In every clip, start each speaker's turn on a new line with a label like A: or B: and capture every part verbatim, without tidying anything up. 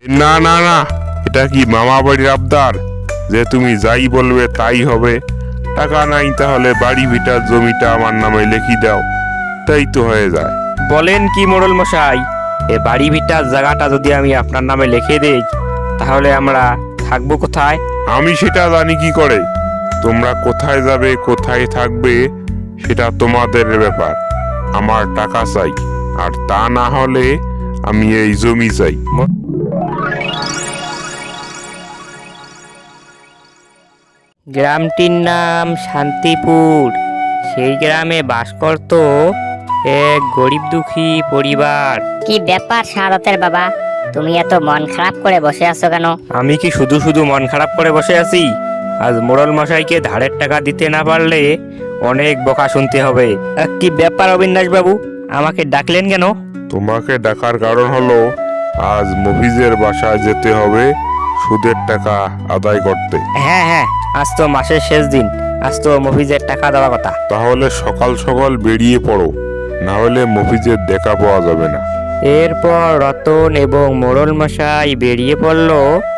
A: না না না, এটা কি মামা বাড়ির আবদার যে তুমি যাই বলবে তাই হবে? টাকা নাই তাহলে বাড়ি ভিটার জমিটা আমার নামে লিখি দাও, তাই তো হয়ে যায়।
B: বলেন কি মোড়ল মশাই, এ বাড়ি ভিটার জায়গাটা যদি আমি আপনার নামে লিখে দেই তাহলে আমরা থাকবো কোথায়?
A: আমি সেটা জানি কি করে? তোমরা কোথায় যাবে কোথায় থাকবে সেটা তোমাদের ব্যাপার। আমার টাকা চাই, আর তা না হলে আমি এই জমি চাই।
B: গ্রামটির নাম শান্তিপুর। সেই গ্রামে বাস করত এক গরিব দুঃখী পরিবার।
C: কি ব্যাপার শাহাদাতের বাবা, তুমি এত মন খারাপ করে বসে আছো কেন?
B: আমি কি শুধু শুধু মন খারাপ করে বসে আছি? আজ মোড়ল মশাইকে ধারের টাকা দিতে না পারলে অনেক বকা শুনতে হবে। আহ, কি ব্যাপার অবিনাশ বাবু, আমাকে ডাকলেন কেন?
A: তোমাকে ডাকার কারণ হলো আজ মফিজের বাসায় যেতে হবে সুদের টাকা আদায় করতে।
B: হ্যাঁ হ্যাঁ, আজ তো মাসের শেষ দিন, আজ তো মফিজের টাকা দেওয়া কথা।
A: তাহলে সকাল সকাল বেরিয়ে পড়ো, না হলে মফিজের দেখা পাওয়া যাবে না।
B: এরপর রতন এবং মোড়ল মশাই বেরিয়ে পড়ল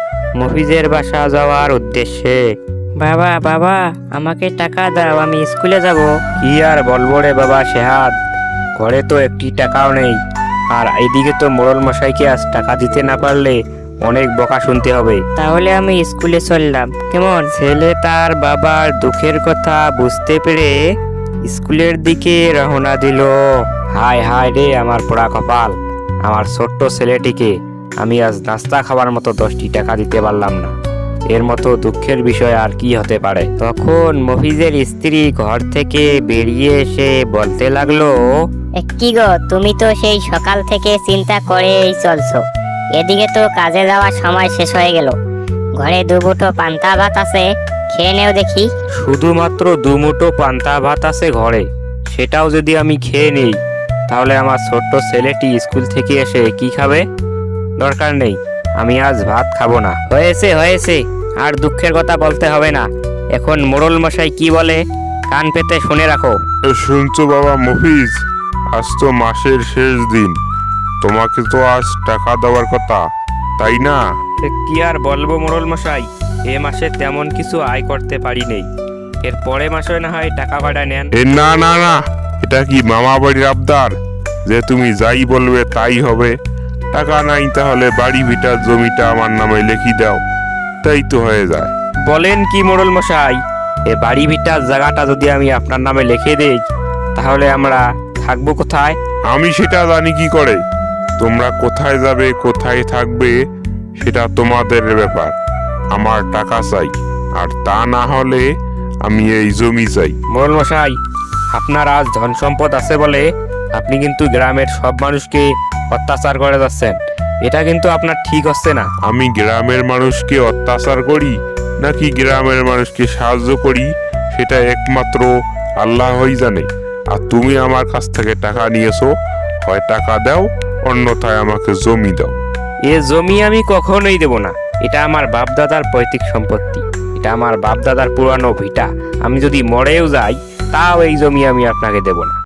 B: মফিজের বাসা যাওয়ার উদ্দেশ্যে। বাবা বাবা, আমাকে টাকা দাও, আমি স্কুলে যাব। কি আর বলবো রে বাবা শেহাদ, ঘরে তো একটি টাকাও নেই, আর এইদিকে তো মোড়ল মশাইকে আজ টাকা দিতে না পারলে অনেক বকা শুনতে হবে। তাহলে আমি স্কুলে চললাম, কেমন? ছেলে তার বাবার দুঃখের কথা বুঝতে পেরে স্কুলের দিকে রওনা দিল। হায় হায় রে আমার পোড়া কপাল, আমার ছোট্ট ছেলেটিকে আমি আজ নাস্তা খাবার মতো দশটি টাকা দিতে পারলাম না। এর মতো দুঃখের বিষয় আর কি হতে পারে? তখন মফিজের স্ত্রী ঘর থেকে বেরিয়ে এসে বলতে লাগলো,
C: এ কি গো, তুমি তো সেই সকাল থেকে চিন্তা করেই চলছো, এদিকে তো কাজে যাওয়ার সময় শেষ হয়ে গেল। ঘরে দুবুটো পান্তা ভাত আছে, খেয়ে নেও দেখি।
B: শুধুমাত্র দুমুঠো পান্তা ভাত আছে ঘরে, সেটাও যদি আমি খেয়ে নেই তাহলে আমার ছোট্ট ছেলেটি স্কুল থেকে এসে কি খাবে? দরকার নেই, আমি আজ ভাত খাবো না। হয়েছে হয়েছে, আর দুঃখের কথা বলতে হবে না। এখন মোড়ল মশাই কি বলে কান পেতে শুনে রাখো।
A: এ শুনছো বাবা মফিজ, আজ তো মাসের শেষ দিন, তোমাকে তো আজ টাকা দেওয়ার কথা, তাই না?
B: এ কি আর বলবো মোড়ল মশাই, এ মাসে তেমন কিছু আয় করতে পারি নেই, এর পরে মাসে না হয় টাকা ভাড়া নেন।
A: এ না না না, এটা কি মামা বাড়ির আবদার যে তুমি যাই বলবে তাই হবে? টাকা নাই তাহলে বাড়ি ভিটার জমিটা আমার নামে লিখি দাও, তাই তো হয়ে যায়।
B: বলেন কি মোড়ল মশাই, এ বাড়ি ভিটার জায়গাটা যদি আমি আপনার নামে লিখে দেই তাহলে আমরা থাকবো কোথায়?
A: আমি সেটা জানি কি করে? তোমরা কোথায় যাবে কোথায় থাকবে সেটা তোমাদের ব্যাপার। আমার টাকা চাই, আর তা না হলে আমি এই জমি চাই।
B: মোড়ল মশাই, আপনার আজ ধন সম্পদ আছে বলে আপনি কিন্তু গ্রামের সব মানুষকে অত্যাচার করে যাচ্ছেন, এটা কিন্তু আপনার ঠিক হচ্ছে না।
A: আমি গ্রামের মানুষকে অত্যাচার করি নাকি গ্রামের মানুষকে সাহায্য করি সেটা একমাত্র আল্লাহই জানে। আর তুমি আমার কাছ থেকে টাকা নিয়েছো, হয় টাকা দাও, অন্যথায় আমাকে জমি দাও।
B: এ জমি আমি কখনোই দেব না, এটা আমার বাপ দাদার পৈতৃক সম্পত্তি, এটা আমার বাপ দাদার পুরানো ভিটা। আমি যদি মরেও যাই তাও এই জমি আমি আপনাকে দেব না।